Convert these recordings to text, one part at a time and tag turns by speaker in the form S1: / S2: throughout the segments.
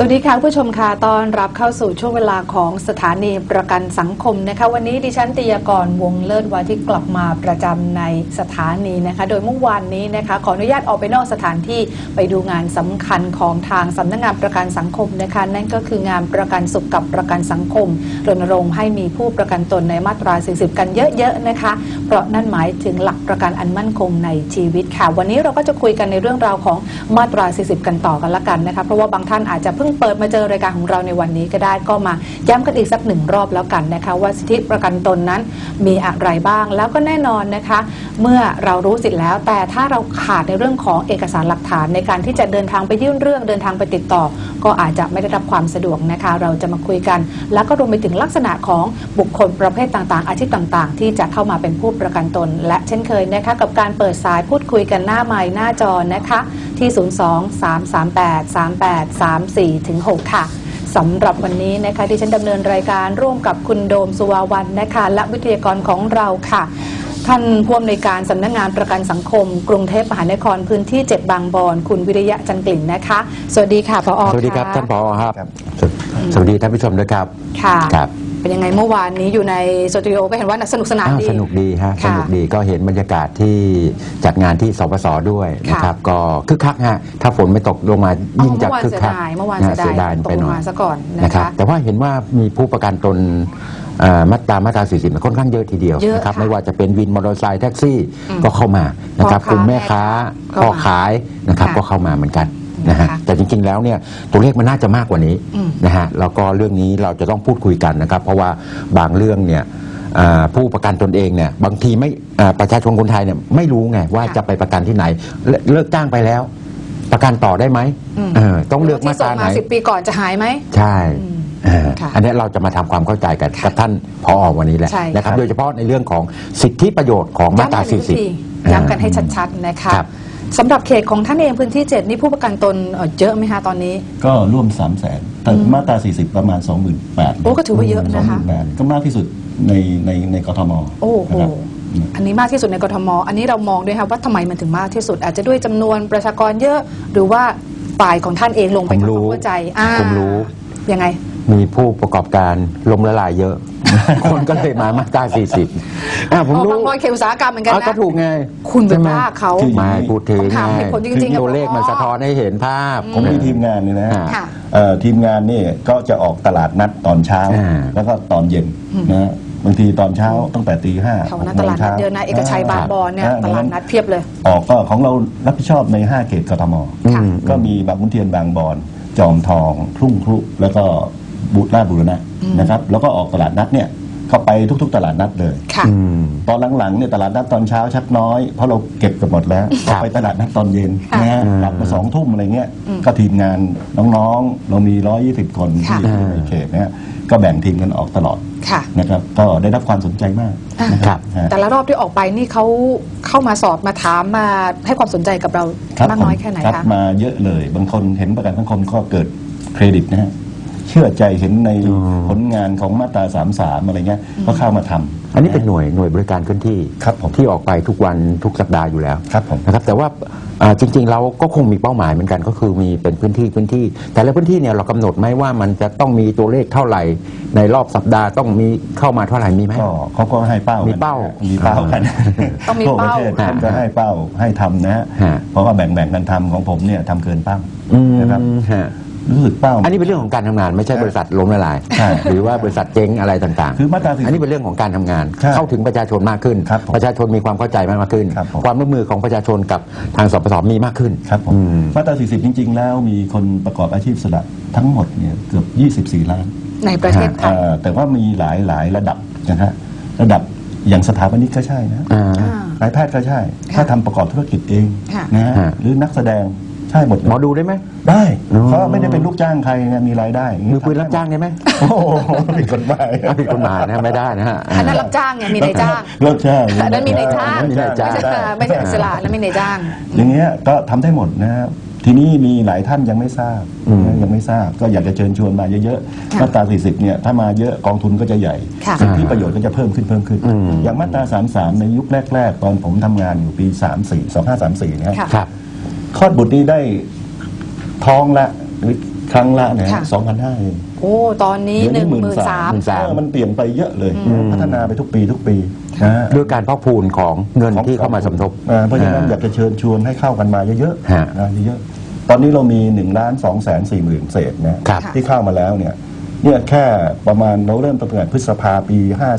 S1: วัสดีค่ะผู้ชมค่ะตอนรับเข้าสู่ช่วงเวลาของสถานีประกันสังคมนะคะวันนี้ดิฉันติยากรวงเลิศวาที่กลับมาประจำในสถานีนะคะโดยเมื่อวานนี้นะคะขออนุญาตออกไปนอกสถานที่ไปดูงานสำคัญของทางสำนักงานประกันสังคมนะคะนั่นก็คืองานประกันสุขกับประกันสังคมรณรงค์ให้มีผู้ประกันตนในมาตรา 40 กันเยอะๆนะคะเพราะนั่นหมายถึงหลักประกันอันมั่นคงในชีวิตค่ะวันนี้เราก็จะคุยกันในเรื่องราวของมาตรา 40 กันต่อกันละกันนะคะเพราะว่าบางท่านอาจจะเพิ่งเปิดมาเจอรายการของเราในวันนี้ก็ได้ก็มาย้ำกันอีกสักหนึ่งรอบแล้วกันนะคะว่าสิทธิประกันตนนั้นมีอะไรบ้างแล้วก็แน่นอนนะคะเมื่อเรารู้สิทธิแล้วแต่ถ้าเราขาดในเรื่องของเอกสารหลักฐานในการที่จะเดินทางไปยื่นเรื่องเดินทางไปติดต่อก็อาจจะไม่ได้รับความสะดวกนะคะเราจะมาคุยกันแล้วก็รวมไปถึงลักษณะของบุคคลประเภทต่างๆอาชีพต่างๆที่จะเข้ามาเป็นผู้ประกันตนและเช่นเคยนะคะกับการเปิดสายพูดคุยกันหน้าไมค์หน้าจอนะคะที่ 02-338-3834-6 ค่ะสำหรับวันนี้นะคะที่ฉันดำเนินรายการร่วมกับคุณโดมสุวาวันนะคะและวิทยากรของเราค่ะท่านผู้อำนวยการสำนักงานประกันสังคมกรุงเทพมหานครพื้นที่ 7 บางบอนคุณวิริยะจันทร์กลิ่นนะคะสวัสดีค่ะผอ.
S2: สวัสดีครับท่านผอ.ครับสวัสดีท่านผู้ชมด้วยครับ
S1: ค่ะ
S2: ครับ
S1: เป็นยังไงเมื่อวานนี้อยู่ในสตูดิโอก็เห็นว่าสนุกสนานดี
S2: สนุกดีฮะสนุกดีก็เห็นบรรยากาศที่จัดงานที่สปส.ด้วยนะครับก็คึกคักฮะถ้าฝนไม่ตกลงมายิ่งจะคึกคัก
S1: เมื่อวานเสียดาย
S2: ไปหน่อย
S1: ซะก่อน
S2: นะครับแต่ว่าเห็นว่ามีผู้ประกันตนมาตรา 40ค่อนข้างเยอะทีเดียวนะครับไม่ว่าจะเป็นวินมอเตอร์ไซค์แท็กซี่ก็เข้ามานะครับกลุ่มแม่ค้าพ่อขายนะครับก็เข้ามาเหมือนกันนะฮะแต่จริงๆแล้วเนี่ยตัวเลขมันน่าจะมากกว่านี้นะฮะแล้วก็เรื่องนี้เราจะต้องพูดคุยกันนะครับเพราะว่าบางเรื่องเนี่ยผู้ประกันตนเองเนี่ยบางทีไม่ประชาชนคนไทยเนี่ยไม่รู้ไงว่าจะไปประกันที่ไหนเลิกจ้างไปแล้วประกันต่อได้ไหมต้องเลือกมาตราไหน
S1: 10 ปีก่อนจะหายไหม
S2: ใช่อันนี้เราจะมาทำความเข้าใจกันกับท่านผอ.วันนี้แหละนะครับโดยเฉพาะในเรื่องของสิทธิประโยชน์ของมาตรา 40
S1: ย้ำกันให้ชัดๆนะคะสำหรับเขตของท่านเองพื้นที่ 7นี่ผู้ประกันตนเยอะไหมคะตอนนี้
S3: ก็ร่วม 300,000 แต่มาตรา 40 ประมาณ 28,000
S1: โอ้ก็ถือว่าเยอะนะคะ
S3: ก็มากที่สุดในกทม.
S1: โอ้โหอันนี้มากที่สุดในกทม.อันนี้เรามองด้วยครับว่าทำไมมันถึงมากที่สุดอาจจะด้วยจำนวนประชากรเยอะหรือว่าฝ่ายของท่านเองลงไปทำความเข้าใจ
S2: ผมรู้
S1: ยังไง
S2: มีผู้ประกอบการล้มละลายเยอะ คนก็เลยมาตรา 40
S1: ผมรู้บางรอยเขตอุตสาหกรรมเหมือนกันนะ
S2: ก็ถูกไง
S1: คุณเป็นบ้าเขา
S2: ไม่พูดถึงตัวเลขมันสะท้อนให้เห็นภาพ
S3: ผมมีทีมงานนี่นะทีมงานนี่ก็จะออกตลาดนัดตอนเช้าแล้วก็ตอนเย็นนะบางทีตอนเช้าตั้งแต่ตี 5
S1: เขาตลาดนัดเดินนะเอกชัยบางบอนเนี่ยตลาดนัดเพียบเลย
S3: ออกก็ของเรารับผิดชอบใน5เขตกทม.ก็มีบางขุนเทียนบางบอนจอมทองทุ่งครุแล้วก็ราชบุรณะนะครับแล้วก็ออกตลาดนัดเนี่ยเข้าไปทุกๆตลาดนัดเลยตอนหลังๆเนี่ยตลาดนัดตอนเช้าชักน้อยเพราะเราเก็บกันหมดแล้วไปตลาดนัดตอนเย็นนะฮะกลับมา2 ทุ่มอะไรเงี้ยก็ทีมงานน้องๆเรามี120 คนที่อยู่ในเขตเนี่ยก็แบ่งทีมกันออกตลอดนะครับก็ได้รับความสนใจมาก
S1: นะครับแต่ละรอบที่ออกไปนี่เขาเข้ามาสอบมาถามมาให้ความสนใจกับเรามากน้อยแค่ไหนคะ
S3: มาเยอะเลยบางคนเห็นประกันสังคมก็เกิดเครดิตนะฮะเชื่อใจเห็นในผลงานของมาตรา 33อะไรเงี้ยก็เข้ามาทำ
S2: อันนี้เป็นหน่วยบริการเคลื่อนที่ที่ออกไปทุกวันทุกสัปดาห์อยู่แล้วนะครับแต่ว่าจริงๆเราก็คงมีเป้าหมายเหมือนกันก็คือมีเป็นพื้นที่แต่ละพื้นที่เนี่ยเรากำหนดไหมว่ามันจะต้องมีตัวเลขเท่าไหร่ในรอบสัปดาห์ต้องมีเข้ามาเท่าไหร่มีไหม
S3: เขาก็ให้เป้า
S2: มีเป้า
S3: กัน
S1: ต้องมีเป้า
S3: ท่านก็ให้เป้าให้ทำนะฮะเพราะว่าแบ่งกันทำของผมเนี่ยทำเกินเป้านะครับรู้สึกเป้า
S2: อันนี้เป็นเรื่องของการทำงานไม่ใช่บริษัทล้มละลายหรือว่าบริษัทเจ๊งอะไรต่างๆ
S3: คือมาตรา40
S2: อันนี้เป็นเรื่องของการทำงานเข้าถึงประชาชนมากขึ้นประชาชนมีความเข้าใจมากขึ้นความร่วมมือของประชาชนกับทางสปส.มีมากขึ้น
S3: ครับผมมาตรา40จริงๆแล้วมีคนประกอบอาชีพอิสระทั้งหมดเนี่ยเกือบ24 ล้าน
S1: ในประเทศไทย
S3: แต่ว่ามีหลายระดับนะฮะระดับอย่างสถาปนิกก็ใช่นะนายแพทย์ก็ใช่ถ้าทำประกอบธุรกิจเองนะฮะหรือนักแสดงใช่หมด
S2: หมอดูได้ไหม
S3: ได้เพราะไม่ได้เป็นลูกจ้างใครนะมีรายได้
S2: มือปืนรับจ้างได้ไหม
S3: โอ้ผิดกฎหมาย
S2: นะไม่ได้นะฮะ
S1: อันนั้นรับจ้างไงมีนายจ้าง
S3: รับจ้าง
S1: อันนั้นมีนายจ้างไม่ใช่อิสระแล้วมีนายจ้าง
S3: อย่างเงี้ยก็ทำได้หมดนะทีนี้มีหลายท่านยังไม่ทราบก็อยากจะเชิญชวนมาเยอะๆมาตรา40เนี่ยถ้ามาเยอะกองทุนก็จะใหญ่สิทธิประโยชน์ก็จะเพิ่มขึ้นอย่างมาตรา33ในยุคแรกๆตอนผมทำงานอยู่ปี2534นะครับคลอดบุตรนี้ได้ท้องละหรือครั้งละเนี่ย
S1: ค่ะ
S3: 2,500เอง
S1: โอ้ตอนนี้
S3: เดี๋ยวนี้
S1: 13,000
S3: มันเปลี่ยนไปเยอะเลยพัฒนาไปทุกปีนะ
S2: ด้วยการพอกพูนของเงินที่เข้ามาสมทบ
S3: เพราะฉะนั้นอยากจะเชิญชวนให้เข้ากันมาเยอะ
S2: ฮะ
S3: ๆนะเยอะๆตอนนี้เรามี1,240,000 เศษนะครับ ที่เข้ามาแล้วเนี่ยแค่ประมาณเราเริ่มตั้งแต่พฤษภาปี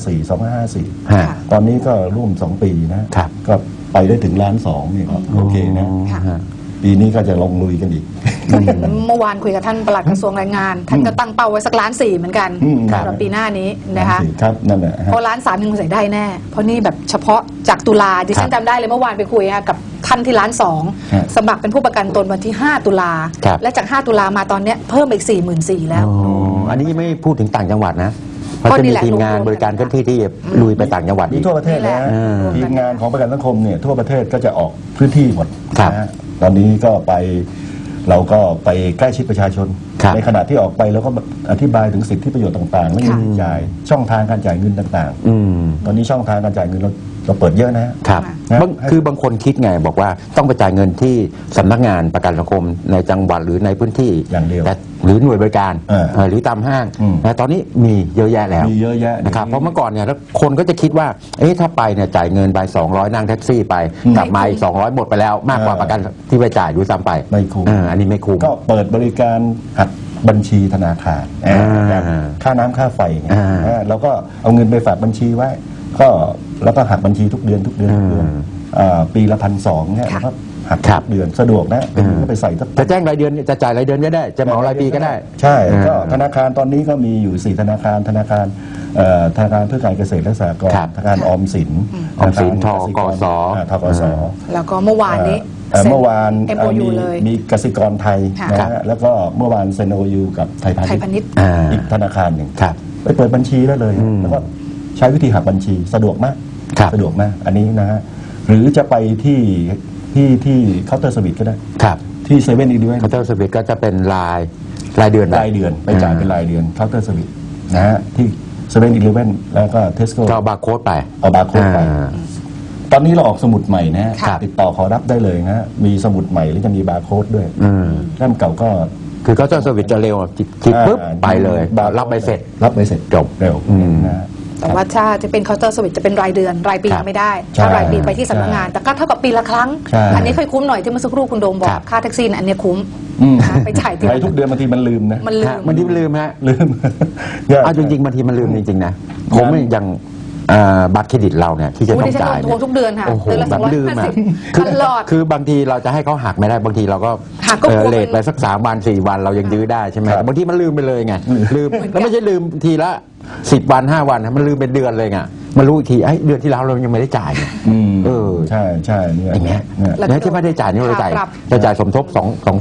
S3: 2554
S2: ฮะ
S3: ตอนนี้ก็ร่วม2 ปีนะครับ ก็ไปได้ถึง1,200,000นี่ก็โอเคนะ
S1: ค่ะ
S2: ฮะ
S3: ปีนี้ก็จะลงลุยกันอีก
S1: ก็เห็นเมื่อวานคุยกับท่านปลัดกระทรวงแรงงาน ท่านก็ตั้งเป้าไว้สัก1,400,000เหมือนกัน
S3: ครับ
S1: สำหรับปีหน้านี้นะคะ
S3: ครับนั่นแหละฮะ
S1: เพราะ1,300,000ยังใส่ได้แน่ เพราะนี่แบบเฉพาะจากตุลาดิฉันจำได้เลยเมื่อวานไปคุยกับท่านที่1,200,000
S3: ครับ
S1: สมัครเป็นผู้ประกันตนวันที่ 5 ตุลา
S2: ครับ
S1: และจาก 5 ตุลามาตอนเนี้ยเพิ่มอีก 44,000 แล้ว
S2: อ๋ออันนี้ไม่พูดถึงต่างจังหวัดนะเพราะ
S1: ก็
S2: จะ
S1: นี่
S2: มี
S1: แหละ
S2: ทีมงาน
S1: รวมๆ
S2: บริการเคลื่อนที่ที่ลุยไปต่างจังหวัด
S3: มี
S2: อีก
S3: ทั่วประเทศ
S1: นี่แห
S3: นะ
S1: ละ
S3: ทีมงานของประกันสังคมเนี่ยทั่วประเทศก็จะออกพื้นที่หมด
S2: ครับ
S3: นะฮะตอนนี้ก็ไปเราก็ไปใกล้ชิดประชาชน
S2: ครับ
S3: ในขณะที่ออกไปเราก็อธิบายถึงสิทธิประโยชน์ต่างๆและเงิน
S1: ค่ะ
S3: จ่ายช่องทางการจ่ายเงินต่าง
S2: อืม
S3: ๆ ตอนนี้ช่องทางการจ่ายเงินเราเปิดเยอะนะฮะ
S2: ครับ
S3: นะ
S2: คือบางคนคิดไงบอกว่าต้องไปจ่ายเงินที่สำนักงานประกันสังคมในจังหวัดหรือในพื้นที่
S3: อย่างเดียว
S2: แต่หรือหน่วยบริการ
S3: ห
S2: รือตามห้าง
S3: อืม
S2: นะตอนนี้มีเยอะแยะแล้ว
S3: มีเยอะแยะ
S2: นะครับเพราะเมื่อก่อนเนี่ยแล้วคนก็จะคิดว่าถ้าไปเนี่ยจ่ายเงินไป200นั่งแท็กซี่ไปกลับมาอีก200หมดไปแล้วมากกว่าประกันที่ไปจ่ายด้วยซ้ำไป
S3: ไม่คุ้ม
S2: อันนี้ไม่คุ้ม
S3: ก็เปิดบริการหักบัญชีธนาคาร
S2: อ่า
S3: ค่าน้ำค่าไฟไง
S2: อ่า
S3: แล้วก็เอาเงินไปฝากบัญชีไว้ ก็แล้วก็หักบัญชีทุกเดือนปีละ1,200เนี่ย
S1: ค่ะ
S3: แล้วก็หัก
S2: ครับ
S3: ทุกเดือนสะดวกนะเป็นก็ไปใส่สัก
S2: จะแจ้งรายเดือนจะจ่ายรายเดือนก็ได้ จะเหมารายปีก็ได้
S3: ใช่
S2: อ่า
S3: ก็ธนาคารตอนนี้ก็มีอยู่4ธนาคารธนาคารเพื่อการเกษตรและสหกร
S2: ครั
S3: ณ์
S2: บ
S3: ธนาคารออมสิน
S2: ออมสิน
S3: ธนาคาร
S2: ธกส
S3: ธกส
S1: แล้วก็เมื่อวานนี้
S3: เมื่อวาน
S1: MOU เลย
S3: มีกสิกรไทย
S1: ค่ะ
S3: นะฮะแล้วก็เมื่อวานเซ็น MOU กับไทยพา
S1: ไทยพา
S3: ณิ
S1: ณิ
S3: ช
S1: ช
S3: ย์
S1: ย์
S3: อีกธนาคารหนึ่ง
S2: ครับ
S3: ไปเปิดบัญชีได้เลย
S2: อืม
S3: แล้วก็ใช้วิธีหักบัญชีสะดวกมาก
S2: ครับ
S3: สะดวกมากอันนี้นะฮะหรือจะไปที่เคาน์เตอร์สวิตก็ได้
S2: ครับ
S3: ที่เซเว่นอีด้วย
S2: เคาน์เตอร์สวิตก็จะเป็นรายเดือน
S3: รายเดือนไปจ่ายเป็นรายเดือนเคาน์เตอร์สวิตนะฮะที่เซเว่นอีเลฟเว่นแล้วก็เทสโก้
S2: ก็บาร์โค้ดไป
S3: เอาบาร์โค้ดไป
S2: อ่า
S3: ตอนนี้เราออกสมุดใหม่นะฮะ
S1: ค่ะ
S3: ติดต่อขอรับได้เลยนะฮะมีสมุดใหม่แล้วจะมีบาร์โค้ดด้วย
S2: อืม
S3: เล่มเก่าก็
S2: คือเคาน์เตอร์สวิตจะเร็วจิบปุ๊บไปเลย
S3: บาร์
S2: รับไปเสร็จ
S3: รับไปเสร็จ
S2: จบ
S3: เร็ว
S2: อืม
S3: นะฮะ
S1: แต่ว่าถ้าจะเป็นเคาน์เตอร์สวิตจะเป็นรายเดือนรายปี
S2: ครับ
S1: ไม่ได้
S3: ใช่
S1: ถ้ารายปีไปที่สำนักงาน แต่ก็เท่ากับปีละครั้ง
S3: ใช่
S1: อันนี้เคยคุ้มหน่อยที่เมื่อสักครู่คุณโดมบอ
S2: ครั
S1: ก
S2: บ
S1: ค่าแท็กซี่น่ะอันเนี้ยคุ้ม
S3: อืม
S1: นะคะไปจ่ายที
S3: ไปทุกเดือนบางทีมันลืมนะ
S1: มันลื
S2: ฮะ
S1: ม
S2: มันลืมฮะ
S3: ลืม
S2: เอาจริงๆบางทีมันลืมจริงๆนะผมอย่างบัตรเครดิตเราเนี่ยที่จะ
S1: โอ้
S2: ต้อ
S1: ดิ
S2: ง
S1: ฉัน
S2: จ่าย
S1: โทรทุกเดือนค่ะ
S2: โอ้โห
S1: เดือนละ
S2: แบบลืมอ่ะ
S1: 250ตลอด
S2: คือบางทีเราจะให้เขาหักไม่ได้บางทีเราก็
S1: หักก็กลัว
S2: เลทไปสัก3 วัน 4 วันเรายังยื้อได้ใช่ไหม
S3: ครับ
S2: แต่บางทีมันลืมไปเลยไงลืมแล้วไม่ใช่ลืมทีละ10 วัน 5 วันนะมันลืมเป็นเดือนเลยไงมารู้อีกทีเดือนที่แล้วเรายังไม่ได้จ่ายเนี่ย
S3: อืม
S2: เออ
S3: ใช่ใช่เนี่ย
S2: อย่างเงี้ย
S3: เนี่ย
S2: แล้วที่ไม่ได้จ่ายนี่เราจ่าย
S1: ปรับ
S2: จะจ่ายสมทบ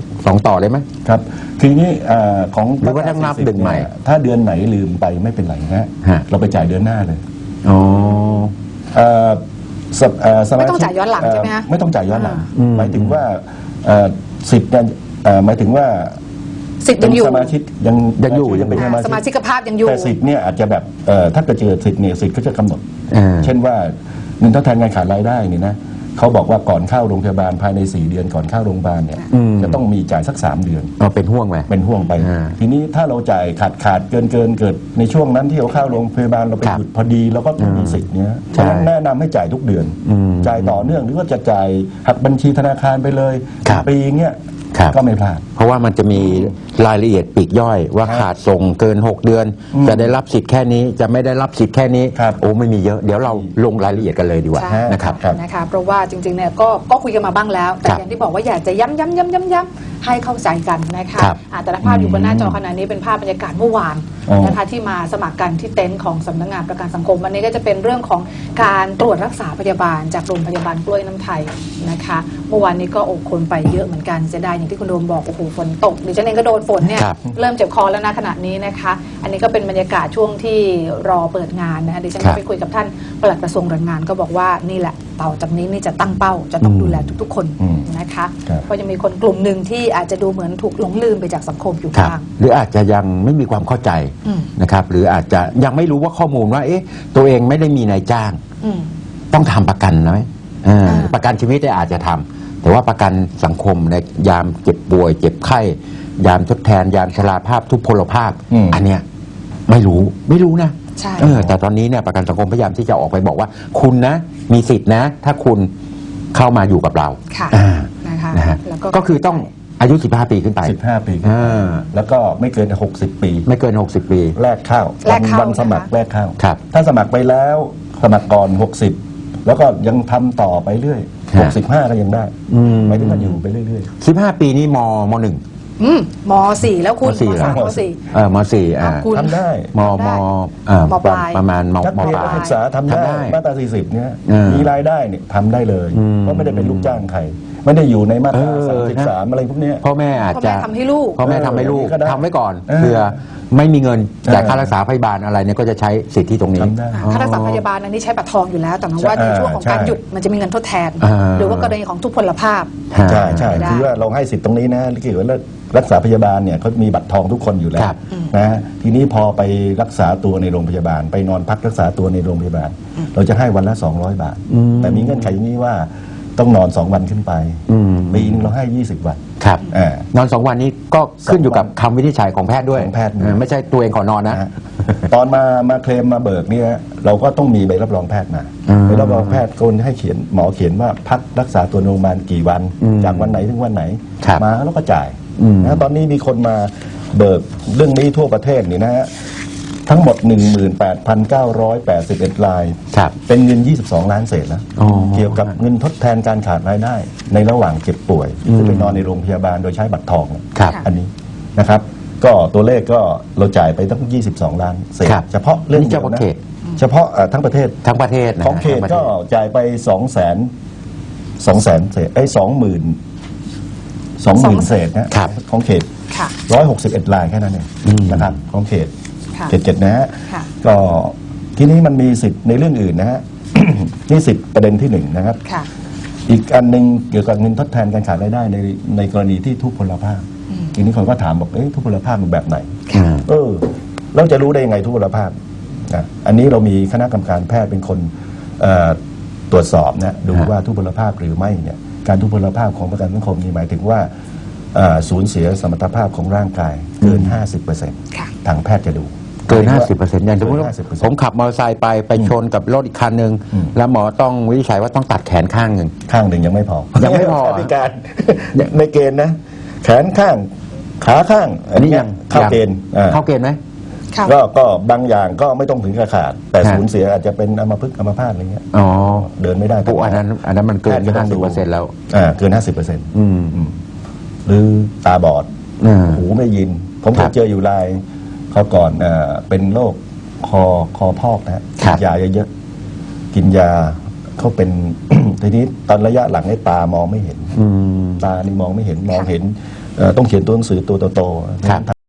S2: 2ต่อได้ไหม
S3: ครับทีนี้ของ
S2: หรือว่าต้องนับดึงใหม่
S3: เนี่ยถ้าเดือนไหนลืมไปไม่เป็นไรนะ
S2: ฮะ
S3: เราไปจ่ายเดือนหน้าเลย
S2: อ๋อ
S1: ไม่ต้องจ่ายย้อนหลังใช่ไหมฮะ
S3: ไม่ต้องจ่ายย้อนหลัง
S2: อืม
S3: หมายถึงว่าสิทธิ์เนี่ยหมายถึงว่า
S1: สิทธิ์ยังอยู่
S3: สมาชิกยัง
S2: ยังอยู่
S3: ยังเป็นสมา
S1: สมา
S3: ชิ
S1: ชิ
S3: ก
S1: กภาพยังอยู่
S3: แต่สิทธิ์เนี่ยอาจจะแบบถ้าเกิดเจอสิทธิ์เนี่ยสิทธิ์ก็จะกำหนด
S2: อ่า
S3: เช่นว่าเงินทดแทนงานขาดรายได้นี่นะเขาบอกว่าก่อนเข้าโรงพยาบาลภายใน4 เดือนก่อนเข้าโรงพยาบาลเนี่ย
S2: อืม
S3: จะต้องมีจ่ายสัก3 เดือน
S2: เอาเป็นห่วงไหม
S3: เป็นห่วงไป
S2: อ่า
S3: ทีนี้ถ้าเราจ่ายขาดเกิดในช่วงนั้นที่เราเข้าโรงพยาบาลเราไป
S2: ครับ
S3: หยุดพอดีเราก็มีสิทธิ์เนี้ย
S2: ใช่
S3: ฉะนั้นแนะนำให้จ่ายทุกเดือน
S2: อืม
S3: จ่ายต่อเนื่องหรือว่าจะจ่ายหักบัญชีธนาคารไปเลย
S2: ครับ
S3: ปีเงี้ย
S2: ครับ
S3: ก็ไม่พลาด
S2: เพราะว่ามันจะมีรายละเอียดปลีกย่อยว่า
S3: ครับ
S2: ขาดส่งเกิน 6 เดือน จะได้รับสิทธิ์แค่นี้จะไม่ได้รับสิทธิ์แค่นี้
S3: ครับ
S2: โอ้ไม่มีเยอะเดี๋ยวเราลงรายละเอียดกันเลยดีกว่า
S1: ใช่
S2: นะครับ
S3: ครับ
S1: นะคะเพราะว่าจริงๆเนี่ยก็คุยกันมาบ้างแล้ว แต่
S2: ครับ
S1: อย่างที่บอกว่าอยากจะย้ำให้เข้าใจกันนะคะ
S2: ครับ
S1: แต่ละภาพอยู่บนหน้าจอขณะนี้เป็นภาพบรรยากาศเมื่อวาน
S3: อ๋อ
S1: นะคะที่มาสมัครกันที่เต็นท์ของสำนักงานประกันสังคมวันนี้ก็จะเป็นเรื่องของการตรวจรักษาพยาบาลจากโรงพยาบาลกล้วยน้ำไทยนะคะเมื่อวานนี้ก็คนไปเยอะเหมือนกันเสียดายอย่างที่คุณโดมบอกโอ้โหฝนตกดิฉันเองก็โดนฝนเนี่ย
S2: ครับ
S1: เริ่มเจ็บคอแล้วนะขณะนี้นะคะ อันนี้ก็เป็นบรรยากาศช่วงที่รอเปิดงานนะคะดิฉัน
S2: ครั
S1: ก็
S2: บ
S1: ไปคุยกับท่านปลัดกระทรวงแรงงานก็บอกว่านี่แหละต่อจากนี้นี่จะตั้งเป้าจะต้องดูแลทุกๆ คน
S3: อืม
S1: นะคะ
S3: ครับ
S1: เพราะยังมีคนกลุ่มหนึ่งที่อาจจะดูเหมือนถูกหลงลืมไปจากสังคมอยู่
S2: ครับ
S1: บ้าง
S2: หรืออาจจะยังไม่มีความเข้าใจ
S1: อืม
S2: นะครับหรืออาจจะยังไม่รู้ว่าข้อมูลว่าตัวเองไม่ได้มีนายจ้าง
S1: อืม
S2: ต้องทำประกันนะไหมประกันชีวิตได้อาจจะทำแต่ว่าประกันสังคมในยามเจ็บป่วย เจ็บไข้ยามทดแทนยามชราภาพทุพพลภาพ
S3: อืม
S2: อันเนี้ยไม่รู้นะ
S1: ใช่
S2: แต่ตอนนี้เนี่ยประกันสังคมพยายามที่จะออกไปบอกว่า คุณนะมีสิทธินะ ถ้าคุณเข้ามาอยู่กับเรา
S1: ค่ะ
S2: อ่า
S1: นะคะ
S2: นะฮะ
S1: แล้ว
S2: ก็คือต้องอายุ 15 ปีขึ้นไป
S3: 15 ปีขึ้นไป
S2: อ่า
S3: แล้วก็ไม่เกิน 60 ปี
S2: ไม่เกิน 60 ปี
S3: แรกเข้า
S1: แรกเข้า
S3: วันสมัคร
S1: นะคะ
S3: แรกเข้า
S2: ครับ
S3: ถ้าสมัครไปแล้วสมัครก่อน 60 แล้วก็ยังทำต่อไปเรื่อย
S2: ฮะ
S3: 65 ก็ยังได้
S2: อืม
S3: หมายถึงว่าอยู่ไปเรื่อย
S2: 15 ปีนี่ม .1
S1: ม .4 แล้วคุณ
S2: ม .4
S1: ม .3 ม
S2: ม .4
S1: คุณ
S3: ๆทำได้
S2: ม
S1: ได้
S2: ม
S1: มปลาย
S2: ประมาณม
S3: นัก
S2: ม
S3: เรียน
S2: ป
S3: นั
S2: ลาก ย
S3: ศึกษาทำได้
S2: ทำได้
S3: มาตรา 40 เนี่ย
S2: เออ
S3: มีรายได้เนี่ยทำได้เลย
S2: อืม
S3: เพราะไม่ได้เป็นลูกจ้างใคร ไม่ได้อยู่ในมาตรา
S2: นะ
S3: 33อะไรพวกเนี้ย
S2: พ่อแม่อาจจะ
S1: พ่อแม่ทำให้ลูก
S2: พ่อแม่ทำให้ลูก
S3: ก็ได้
S2: ทำไว้ก่อน
S3: เออ
S2: เพื่อไม่มีเงินจ่าย
S3: เออ
S2: ค่ารักษาพยาบาลอะไรเนี่ยก็จะใช้สิทธิตรงนี้
S3: ทำได้
S1: ค่ารักษาพยาบาลอันนี้ใช้บัตรทองอยู่แล้ว แต่หมายว่าในช่วงของการ
S3: ใช่
S1: หยุดมันจะมีเงินทดแทน
S2: อ่า
S1: หรือว่ากรณีของทุพพลภาพ
S3: ใช่ใช่
S1: ได้
S3: คือว่าเราให้สิทธิ์ตรงนี้นะเกี่ยวกับรักษาพยาบาลเนี่ยเขามีบัตรทองทุกคนอยู่แล้
S2: คว รับ
S3: นะทีนี้พอไปรักษาตัวในโรงพยาบาล ไปนอนพักรักษาตัวในโรงพยาบาล เราจะให้วันละ 200 บาท แต่มีเงื่อนไขอย่างนี้ว่าต้องนอน 2 วันขึ้นไป
S2: อืม
S3: ปีนึงเราให้ 20 วัน
S2: ครับ
S3: อ่าน
S2: อน2 วันนี้ก็ขึ้นอยู่กับคำวินิจฉัยของแพทย์ด้วย
S3: ของแพทย์
S2: ไม่ใช่ตัวเองขอนอนนะ
S3: นะฮะตอนมาเคลมมาเบิกเนี่ยเราก็ต้องมีใบรับรองแพทย์มา
S2: อืม
S3: ใบรับรองแพทย์คนให้เขียนหมอเขียนว่าพักรักษาตัวในโรงพยาบาลกี่วัน
S2: อืม
S3: จากวันไหนถึงวันไหน
S2: ครับ
S3: มาแล้วก็จ่าย
S2: อืม
S3: นะตอนนี้มีคนมาเบิกเรื่องนี้ทั่วประเทศนี่นะฮะทั้งหมด 18,981 ราย
S2: ครับ
S3: เป็นเงิน 22 ล้านเศษแล้ว
S2: อ๋อ
S3: เกี่ยวกับเงินทดแทนการขาดรายได้ ในระหว่างเจ็บป่วยที่ไปนอนในโรงพยาบาลโดยใช้บัตรทองเนี่ย
S2: ครับ
S3: อันนี้นะครับ ก็ตัวเลขก็เราจ่ายไปตั้ง 22 ล้านเศษ
S2: ครับ
S3: เฉพาะเรื่อง
S2: นี่
S3: เดียว
S2: เฉพาะ
S3: นะ
S2: เขต
S3: เฉพาะทั้งประเทศ
S2: ทั้งประเทศนะ
S3: ของเขต
S2: ทั้ประ
S3: ก็
S2: ทศ
S3: จ่ายไป200,000 เศษ20,000 เศษนะครับ ของเขต
S1: ค่ะ
S3: 161 รายแค่นั้นเอง
S2: อืม
S3: นะครับของเขต
S1: ค่ะ
S3: เขต 7นะฮะ
S1: ค่ะ
S3: ก็ทีนี้มันมีสิทธิ์ในเรื่องอื่นนะฮะ นี่สิทธิ์ประเด็นที่หนึ่งนะครับ
S1: ค่ะ
S3: อีกอันหนึ่งเกี่ยวกับเงินทดแทนการขาดรายได้ในกรณีที่ทุพพลภาพทีนี้คนก็ถามบอกทุพพลภาพมันแบบไหน
S2: อืม
S3: เราจะรู้ได้ยังไงทุพพลภาพนะอันนี้เรามีคณะกรรมการแพทย์เป็นคนตรวจสอบนะดูว่าทุพพลภาพหรือไม่เนี่ยการทุพพลภาพของประกันสังคมนี่หมายถึงว่าสูญเสียสมรรถภาพของร่างกายเกิน 50%
S1: ค่ะ
S3: ทางแพทย์จะดู
S2: เกิน 50%อย่างสมมติว่า
S3: เกิน 50%
S2: ผมขับมอเตอร์ไซค์ไปชนกับรถอีกคันหนึ่ง
S3: อืม
S2: แล้วหมอต้องวินิจฉัยว่าต้องตัดแขนข้างหนึ่ง
S3: ข้างหนึ่งยังไม่พอ
S2: ยังไม่พอ
S3: พิการ ในเกณฑ์นะ แขนข้างขาข้าง
S2: อันนี้ยัง
S3: เข้าเกณฑ์อ่า
S2: เข้าเกณฑ์ไหม
S1: ค่ะ
S3: ก็บางอย่างก็ไม่ต้องถึงกับขาด แต่
S2: ฮะ
S3: สูญเสียอาจจะเป็นอัมพฤกษ์อัมพาตอะไรเงี้ย
S2: อ๋อ
S3: เดินไม่ได้
S2: ปุ๊อันนั้นมันเกิน
S3: แพทย์ก็ต้องดู
S2: 50%แล้ว
S3: เกิน 50%
S2: อืม
S3: หรือตาบอด
S2: อืม
S3: หูไม่ยิน ผมเค
S2: ครั
S3: ย
S2: บ
S3: เจออยู่รายเขาก่อนเป็นโรคคอพอกนะฮะ
S2: ครั
S3: กิ
S2: บ
S3: นยาเยอะๆกินยาเขาเป็น ทีนี้ตอนระยะหลังให้ตามองไม่เห็น
S2: อืม
S3: ตานี่มองไม่เห็นมองเห็นต้องเขียนตัวหนังสือตัวโตๆ
S2: ครับ